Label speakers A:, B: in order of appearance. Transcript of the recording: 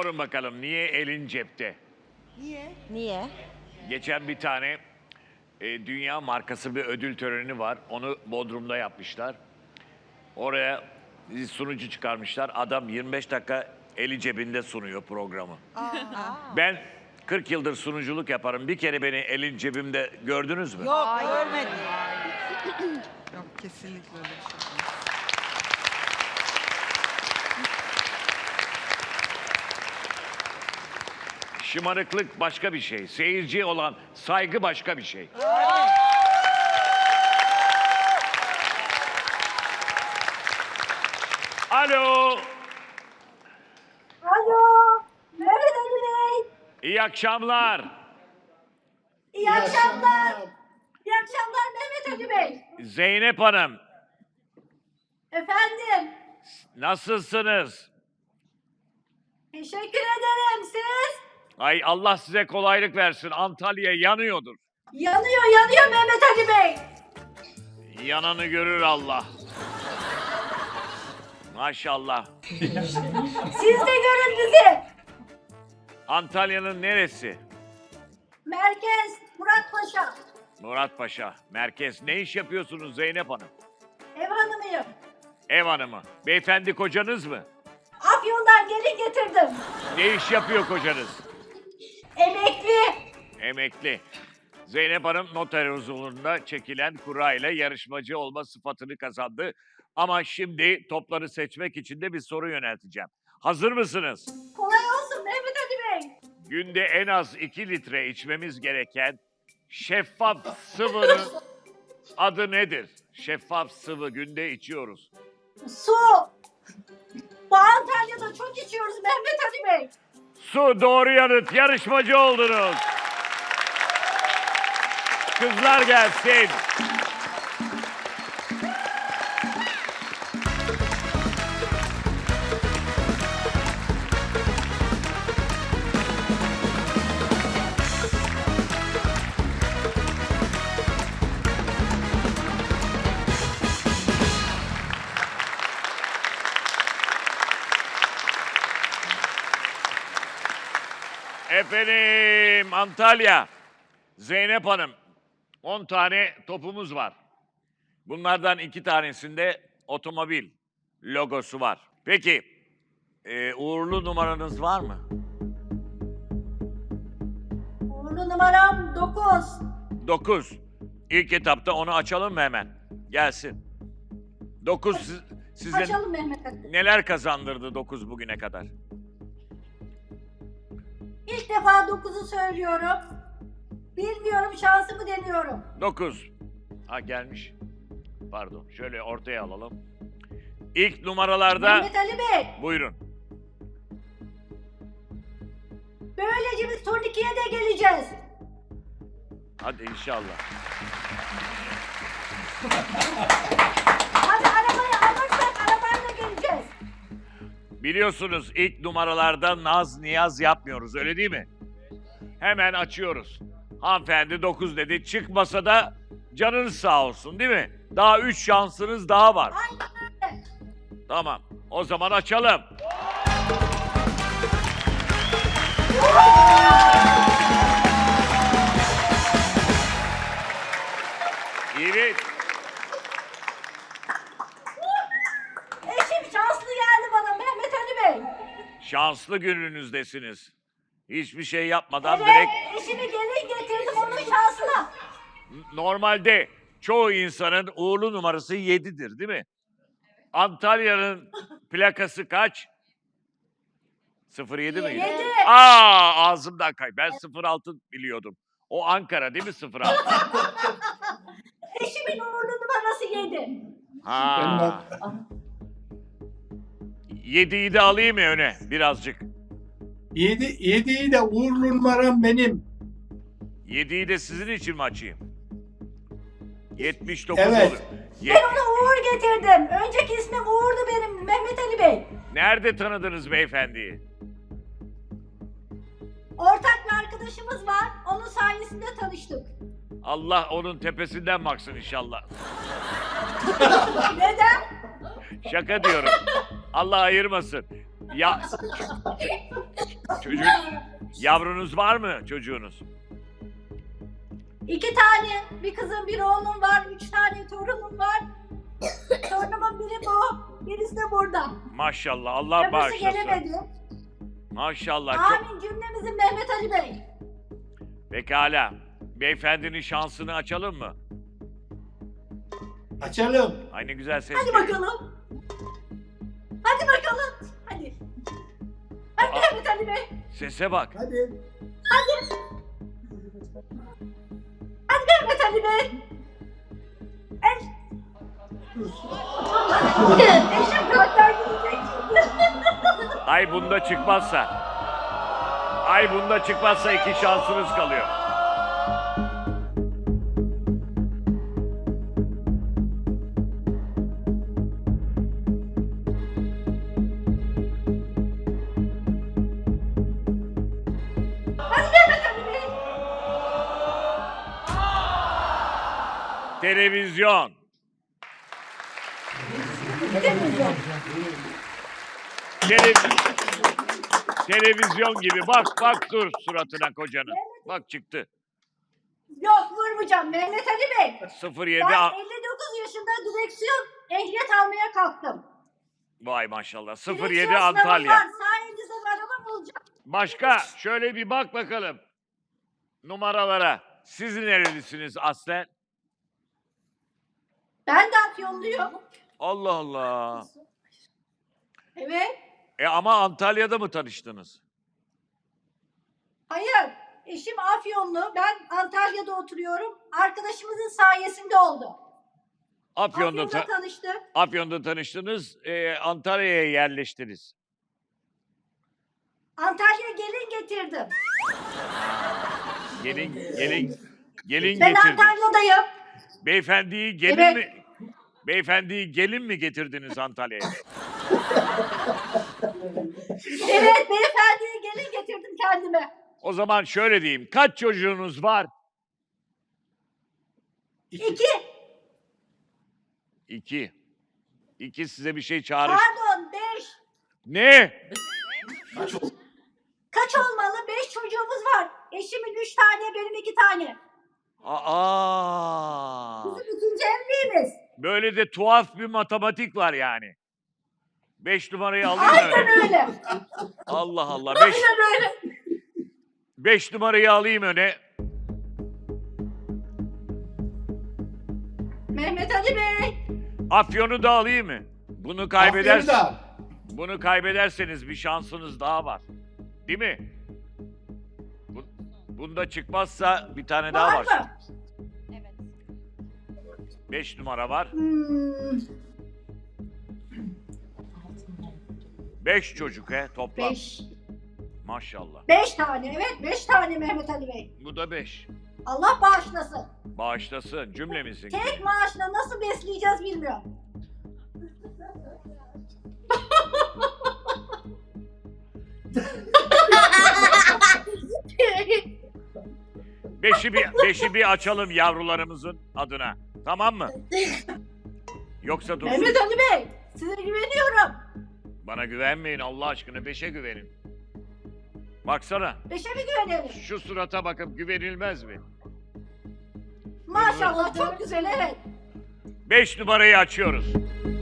A: Sorun bakalım niye elin cepte?
B: Niye?
A: Geçen bir tane dünya markası bir ödül töreni var. Onu Bodrum'da yapmışlar. Oraya sunucu çıkarmışlar. Adam 25 dakika eli cebinde sunuyor programı. Ben 40 yıldır sunuculuk yaparım. Bir kere beni elin cebimde gördünüz mü?
B: Yok, görmedim.
C: Yok, kesinlikle öyle bir şey olmaz.
A: Şımarıklık başka bir şey. Seyirciye olan saygı başka bir şey. Alo.
D: Alo, Mehmet Ali Bey.
A: İyi akşamlar.
D: İyi akşamlar. İyi akşamlar Mehmet Ali Bey.
A: Zeynep Hanım,
D: Efendim,
A: nasılsınız?
D: teşekkür ederim. Siz?
A: Ay Allah size kolaylık versin. Antalya yanıyordur.
D: Yanıyor Mehmet Ali Bey.
A: Yananı görür Allah. Maşallah.
D: Siz de görün bizi.
A: Antalya'nın neresi?
D: Merkez, Muratpaşa.
A: Muratpaşa, merkez. Ne iş yapıyorsunuz Zeynep Hanım?
D: Ev hanımıyım.
A: Ev hanımı. Beyefendi kocanız mı?
D: Afyon'dan gelin getirdim.
A: Ne iş yapıyor kocanız?
D: Emekli.
A: Emekli. Zeynep Hanım noter huzurunda çekilen kura ile yarışmacı olma sıfatını kazandı. Ama şimdi topları seçmek için de bir soru yönelteceğim. Hazır mısınız?
D: Kolay olsun Mehmet Ali Bey.
A: Günde en az 2 litre içmemiz gereken şeffaf sıvının adı nedir? Şeffaf sıvı günde içiyoruz.
D: Su. Bu Antalya'da çok içiyoruz Mehmet Ali Bey.
A: Su doğru yanıt. Yarışmacı oldunuz. Kızlar gelsin. Efendim Antalya. Zeynep Hanım. 10 tane topumuz var. Bunlardan 2 tanesinde otomobil logosu var. Peki uğurlu numaranız var mı?
D: Uğurlu numaram 9.
A: 9. İlk etapta onu açalım mı hemen? Gelsin. 9 size
D: Açalım Mehmet Ali.
A: neler kazandırdı 9 bugüne kadar?
D: İlk defa 9'u söylüyorum. Bilmiyorum, şansımı deniyorum.
A: 9. Ha gelmiş. Pardon. Şöyle ortaya alalım. İlk numaralarda
D: Mehmet Ali Bey,
A: buyurun.
D: böylece biz turnikeye de geleceğiz.
A: Hadi inşallah.
D: Hadi arabayı alırsak arabayla geleceğiz.
A: Biliyorsunuz ilk numaralarda naz niyaz yapmıyoruz öyle değil mi? Hemen açıyoruz. Hanımefendi 9 dedi. Çıkmasa da canınız sağ olsun değil mi? Daha 3 şansınız daha var.
D: Aynen öyle.
A: Tamam. O zaman açalım. Evet.
D: Eşim şanslı geldi bana Mehmet Ali Bey.
A: Şanslı gününüzdesiniz. Hiçbir şey yapmadan
D: Evet,
A: direkt
D: eşimi gelin getirdim onun şansına.
A: normalde çoğu insanın uğurlu numarası 7'dir değil mi? Antalya'nın plakası kaç? 07 miydi?
D: 7.
A: Ağzımdan kay. Ben 06 biliyordum. O Ankara değil mi 06?
D: Eşimin uğurlu numarası 7.
A: Ha. 7'yi de alayım mı öne birazcık?
E: 7'yi de uğurlu numaram benim.
A: 7'yi de sizin için mi açayım? 79
E: Evet.
A: olur.
D: Ben ona Uğur getirdim. Önceki ismim Uğur'du benim Mehmet Ali Bey.
A: Nerede tanıdınız beyefendiyi?
D: Ortak bir arkadaşımız var. Onun sayesinde tanıştık.
A: Allah onun tepesinden baksın inşallah.
D: Neden?
A: Şaka diyorum. Allah ayırmasın. Ya Çocuk, yavrunuz var mı çocuğunuz?
D: 2 tane, bir kızım bir oğlum var, 3 tane torunum var. Torunumun biri bu, birisi de burada.
A: Maşallah, Allah
D: Öbürsü
A: bağışlasın.
D: gelemedi.
A: Maşallah, çok...
D: Amin cümlemizin Mehmet Ali Bey.
A: Pekala. Beyefendinin şansını açalım mı?
E: Açalım.
A: Ay ne güzel ses
D: Hadi
A: geliyor.
D: bakalım. Hadi bakalım. Hadi. Hadi
A: Aa.
D: Mehmet Ali Bey.
A: Sese bak.
E: Hadi.
D: Hadi Mehmet Ali Bey. Eşim gökler gidecek.
A: Ay bunda çıkmazsa. Ay bunda çıkmazsa 2 şansınız kalıyor.
D: Hadi Mehmet Ali Bey.
A: Televizyon. Televizyon gibi. Bak dur suratına kocanın. Bak çıktı.
D: Yok vurmayacağım Mehmet Ali Bey.
A: 07
D: Ben 59 yaşında direksiyon ehliyet almaya kalktım.
A: Vay maşallah.
D: Direksiyon
A: 07
D: sınavım
A: Antalya.
D: var. Sayenizde bir arabam olacak.
A: Başka şöyle bir bak bakalım numaralara. Siz nerelisiniz aslen?
D: Ben de Afyonluyum.
A: Allah Allah.
D: Evet.
A: Ama Antalya'da mı tanıştınız?
D: Hayır. Eşim Afyonlu. Ben Antalya'da oturuyorum. Arkadaşımızın sayesinde oldu.
A: Afyon'da,
D: Afyon'da tanıştık.
A: Afyon'da tanıştınız, Antalya'ya yerleştiniz.
D: Antalya'ya gelin getirdim.
A: Gelin
D: Ben
A: getirdiniz.
D: Antalya'dayım.
A: Beyefendiyi gelin
D: Evet.
A: mi? Beyefendiyi gelin mi getirdiniz Antalya'ya?
D: Evet beyefendiye gelin getirdim kendime.
A: O zaman şöyle diyeyim. Kaç çocuğunuz var?
D: 2.
A: 2. 2 size bir şey çağrış.
D: Pardon 5.
A: Ne?
D: Kaç olmalı? 5 çocuğumuz var. Eşimin 3 tane, benim 2 tane.
A: Aa!
D: Bizim ikinci evliliğimiz.
A: Böyle de tuhaf bir matematik var yani. 5 numarayı alayım
D: Aynen
A: öne.
D: öyle.
A: Allah Allah.
D: Aynen öyle.
A: 5 numarayı alayım öne.
D: Mehmet Ali Bey.
A: Afyon'u da alayım mı? Bunu
E: Aferin de al.
A: Bunu kaybederseniz bir şansınız daha var. Değil mi? Bunda çıkmazsa bir tane daha var.
D: Var mı?
A: 5 numara var. 5 çocuk toplam.
D: 5.
A: Maşallah.
D: 5 tane evet 5 tane Mehmet Ali Bey.
A: Bu da 5.
D: Allah bağışlasın.
A: Bağışlasın cümlemizin.
D: Tek maaşla nasıl besleyeceğiz bilmiyorum.
A: Beşi bir açalım yavrularımızın adına. Tamam mı? Yoksa dursun.
D: Mehmet Ali Bey size güveniyorum.
A: Bana güvenmeyin Allah aşkına 5'e güvenin. Baksana
D: 5'e mi güvenelim?
A: şu surata bakıp güvenilmez mi?
D: Maşallah çok güzel evet.
A: 5 numarayı açıyoruz.